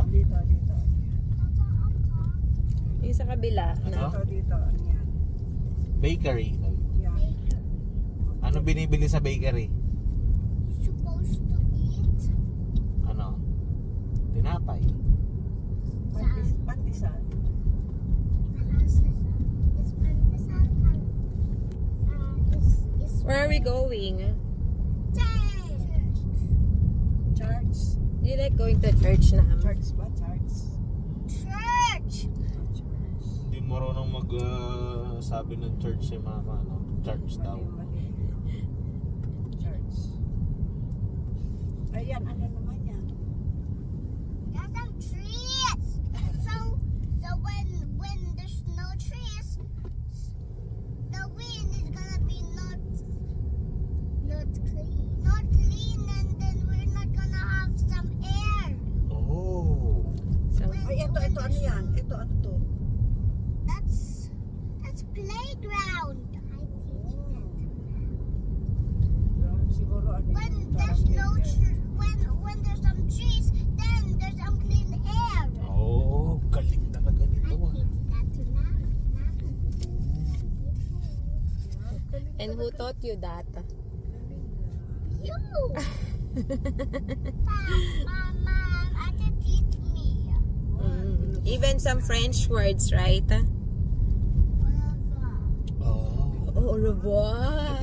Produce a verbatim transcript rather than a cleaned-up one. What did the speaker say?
Dito, dito. Yung sa kabila. Ano? Na. Dito, dito. Yan. Bakery. Yan. Ano binibili sa bakery? Supposed to eat Ano? Tinapay. Pandis, pandisan. It's pandesal and uh, it's, it's Where are we going? church. Church. Do you like going to church na? Church ba? Church. Church. Church. Hindi marunong mag uh, sabi ng church si mama, no? Church daw. Mali, mali. Church. Ayan, ano naman yan? There's some trees. So so when when there's no trees, the wind is gonna be not not clean. Not clean, and then we're not gonna have some air. Oh. So, Ay, ito, ito, ano yan? Ito, ano to? That's that's playground. I teach that. Yan, siguro ano When yun, there's parang no playground. tr- when when there's some trees, then there's some clean air. Oh, galing talaga I nito. ah. teach that to now. and who taught you that? You. Mom, mom, I can teach me. Mm. Even some French words, right? Blah, blah. Oh. Au revoir.